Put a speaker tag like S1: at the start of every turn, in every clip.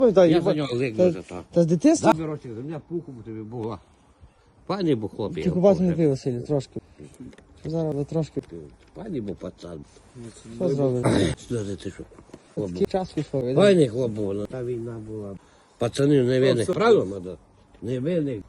S1: Я за нього ликну за то.
S2: Та з дитинства?
S1: Заберу земля пуху б тобі була. Пані бо хлопці.
S2: Ти купати не пив, Василь, трошки. Зараз ви трошки.
S1: Пані бо пацан.
S2: Що зробиш?
S1: Сльози ти що?
S2: Такий час пішов. іде.
S1: Пані хлоп був, та війна була. Пацанів невинних, правда, Мадо? Невинних.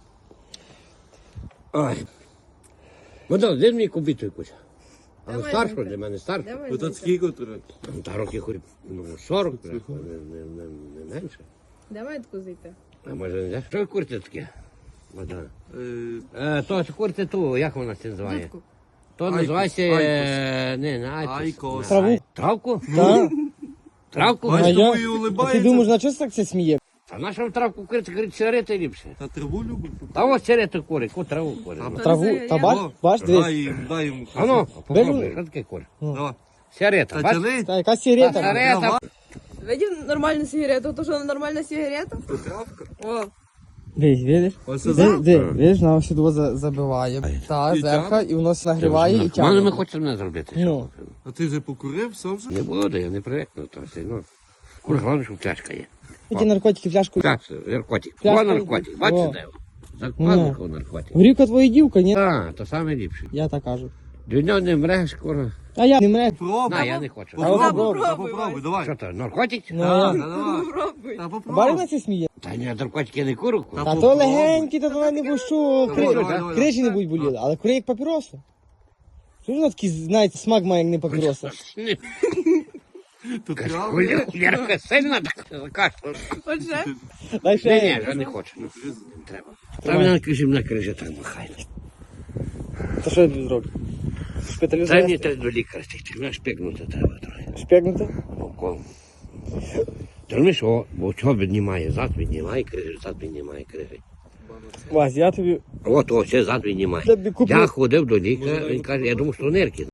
S1: Ой. Мадо, де мені купити якусь? Але
S3: Давай,
S1: старшу,
S3: Зинька.
S1: для мене старшу.
S3: Давай,
S4: Ото
S3: Зинька.
S4: скільки треба?
S1: Та років хоч 40, не менше.
S3: Давай таку зайти.
S1: А може не знаєш, що курти таке? Мадо. То курти ту, як вона це називає?
S3: Дудку.
S1: То називається, не айкос.
S4: Айкос.
S2: Траву?
S1: Травку?
S2: Так.
S1: Травку?
S2: А
S4: Бачиш,
S2: я?
S4: тому і
S2: А ти
S4: улибається.
S2: думаєш, на чого так це сміє?
S1: А наша травку курити, говорить, сигарети ліпше.
S4: Та траву любить.
S1: Та ось сигарети курить, яку траву курить.
S2: Траву? Та бач, бач, дивись.
S4: Дай йому.
S1: А ну,
S2: Бери.
S1: попробуй, що таке курить?
S4: Давай.
S1: Сигарета,
S4: Та
S1: бач?
S4: тяни.
S2: Та яка сигарета?
S1: Сигарета.
S3: Видів нормальну сигарету, то що нормальна сигарета?
S4: То травка.
S3: О,
S2: Дивись, видиш?
S4: Ось
S2: Ди,
S4: це.
S2: ди, видиш, нам сюди забиває. Та,
S4: І
S2: зерха,
S4: тягне?
S2: і воно нагріває і
S1: Мали ми
S2: тягне.
S1: хочемо не зробити.
S2: Ну.
S4: А ти вже покурив, сам вже?
S1: Не буду, я не привикну. То все, ну. Курва, головне, щоб пляшка є.
S2: Ті наркотики, фляжку.
S1: Так, наркотик.
S2: Пляшка.
S1: О, наркотик.
S2: О.
S1: Бачите, де? Закладников наркотик.
S2: Горівка твоя дівка, ні?
S1: Так, то саме ліпше.
S2: Я так кажу.
S1: До нього не мреш, курва.
S2: А я не мре.
S4: Пробуй.
S1: На, я не хочу.
S4: Попробуй,
S3: попробуй,
S4: попробуй, давай.
S1: Що то, наркотик?
S2: Ну,
S4: Та,
S2: я.
S4: давай.
S3: попробуй.
S4: Та
S2: Барина
S4: попробуй.
S2: це сміє.
S1: Та ні, наркотики я не куру.
S4: Та
S2: Та то
S4: попробуй.
S2: легенькі, то вона не бущу,
S4: Давай, давай, давай.
S2: крижі не будь боліли, але кури як папіроса. Що ж вона такий, знаєте, смак має, як не папіроса?
S4: Тут травка.
S1: Хулярка сильна так кашля.
S3: Отже,
S2: Дай
S1: Ні,
S2: ще.
S1: ні, вже не хочу. Ну, не треба. Та мене на крижі так махає.
S2: Та що я тобі зроблю?
S1: Та мені
S2: Шпиталізувати?
S1: треба до лікаря стати, мене шпигнути треба трохи.
S2: Шпігнути?
S1: Около. Та розумієш, о, бо чого піднімає, зад піднімає крижі, зад піднімає крижі.
S2: Вась, я тобі
S1: От, о, ще зад піднімає.
S2: тобі куплю.
S1: Я ходив до лікаря, він каже, я думав, що нирки.